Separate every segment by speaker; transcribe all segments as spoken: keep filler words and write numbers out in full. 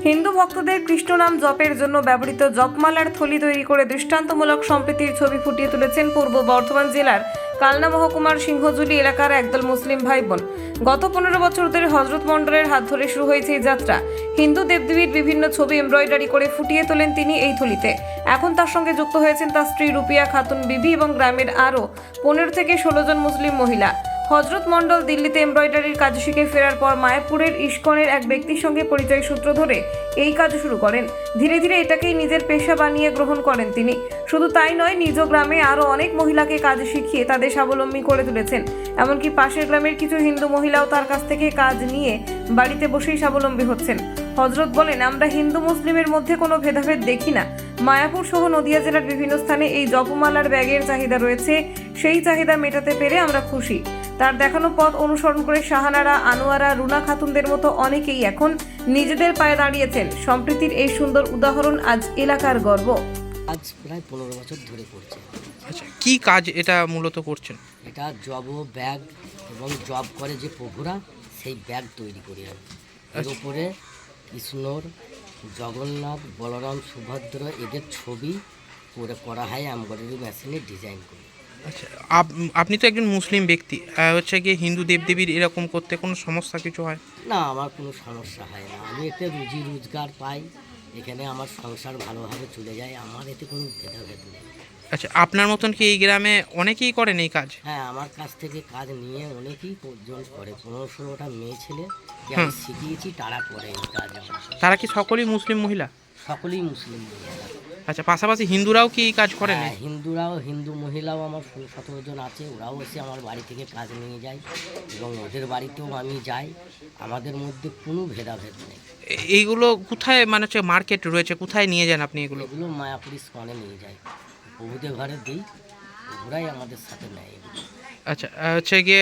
Speaker 1: হিন্দু ভক্তদের কৃষ্ণ নাম জপের জন্য ব্যবহৃত জপমালার থলি তৈরি করে দৃষ্টান্তমূলক সম্প্রীতির ছবি ফুটিয়ে তুলেছেন পূর্ব বর্ধমান জেলার কালনা মহকুমার সিংহজুলি এলাকার একদল মুসলিম ভাই বোন। গত পনেরো বছর ধরে হজরত মন্ডলের হাত ধরে শুরু হয়েছে এই যাত্রা। হিন্দু দেবদেবীর বিভিন্ন ছবি এমব্রয়ডারি করে ফুটিয়ে তোলেন তিনি এই থলিতে। এখন তার সঙ্গে যুক্ত হয়েছেন তার স্ত্রী রুপিয়া খাতুন বিবি এবং গ্রামের আরও পনেরো থেকে ষোলো জন মুসলিম মহিলা। হজরত মন্ডল দিল্লিতে এমব্রয়ডারির কাজ শিখে ফেরার পর মায়াপুরের ইস্কনের এক ব্যক্তির সঙ্গে পরিচয় সূত্র ধরে এই কাজ শুরু করেন। ধীরে ধীরে এটাকেই নিজের পেশা বানিয়ে গ্রহণ করেন তিনি। শুধু তাই নয়, নিজ গ্রামে আরও অনেক মহিলাকে কাজ শিখিয়ে তাদের স্বাবলম্বী করে তুলেছেন। এমনকি পাশের গ্রামের কিছু হিন্দু মহিলাও তার কাছ থেকে কাজ নিয়ে বাড়িতে বসেই স্বাবলম্বী হচ্ছেন। হজরত বলেন, আমরা হিন্দু মুসলিমের মধ্যে কোনো ভেদাভেদ দেখি না। মায়াপুর সহ নদিয়া জেলার বিভিন্ন স্থানে এই জপমালার ব্যাগের চাহিদা রয়েছে, সেই চাহিদা মেটাতে পেরে আমরা খুশি। তার দেখানো পথ অনুসরণ করে শাহানারা, আনোয়ারা, রুনা খাতুনদের মতো অনেকেই এখন নিজেদের পায়ে দাঁড়িয়েছেন। সম্প্রীতির এই সুন্দর উদাহরণ আজ এলাকার গর্ব।
Speaker 2: আজ প্রায় পনেরো বছর ধরে করছে।
Speaker 3: আচ্ছা, কি কাজ এটা মূলত করছেন?
Speaker 2: এটা জব ও ব্যাগ এবং জব করে যে প্রভুরা, সেই ব্যাগ তৈরি করি আমি। এর উপরে কৃষ্ণর, জগন্নাথ, বলরাম, সুভদ্র এদের ছবি করে করা হয় এমব্রয়ডারি মেশিনে ডিজাইন করি।
Speaker 3: আচ্ছা, আপনি তো একজন মুসলিম ব্যক্তি, হচ্ছে গিয়ে হিন্দু দেবদেবীর এরকম করতে কোনো সমস্যা কিছু হয়
Speaker 2: না? আমার কোনো সমস্যা হয় না। আমি এতে রুজি রোজগার পাই, এখানে আমার সংসার ভালোভাবে চলে যায়, আমার এতে কোনো ভেদাভেদ নেই।
Speaker 3: আচ্ছা, আপনার মতন কি এই গ্রামে অনেকেই করেন এই কাজ?
Speaker 2: হ্যাঁ, আমার কাছ থেকে কাজ নিয়ে অনেকেই পর্যন্ত করে। পনেরো ষোলোটা মেয়ে ছেলে আমি শিখিয়েছি, তারা করে এই কাজ।
Speaker 3: তারা কি সকলেই মুসলিম মহিলা?
Speaker 2: সকলেই মুসলিম মহিলা।
Speaker 3: আচ্ছা, পাশাপাশি হিন্দুরাও কি এই কাজ করেন?
Speaker 2: হ্যাঁ, হিন্দুরাও, হিন্দু মহিলাও আমার ষোলো সতেরো জন আছে, ওরাও এসে আমার বাড়ি থেকে কাজ নিয়ে যায় এবং ওদের বাড়িতেও আমি যাই। আমাদের মধ্যে কোনো ভেদাভেদ নেই।
Speaker 3: এইগুলো কোথায়, মানে হচ্ছে মার্কেট রয়েছে, কোথায় নিয়ে যান আপনি এগুলো?
Speaker 2: এগুলো মায়াপুর ইস্কনে নিয়ে যাই, প্রভুদের ঘরে দিই, ওরাই আমাদের সাথে নেয় এগুলো।
Speaker 3: আচ্ছা, হচ্ছে গিয়ে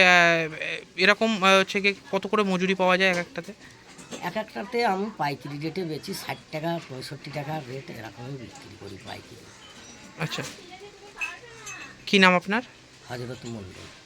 Speaker 3: এরকম হচ্ছে গিয়ে কত করে মজুরি পাওয়া যায় এক একটাতে?
Speaker 2: এক একটাতে আমি পাইকারি রেটে বেচি, ষাট টাকা পঁয়ষট্টি টাকা রেট এরকমই বিক্রি করি পাইকারি।
Speaker 3: আচ্ছা, কী নাম আপনার?
Speaker 2: হজরত মন্ডল।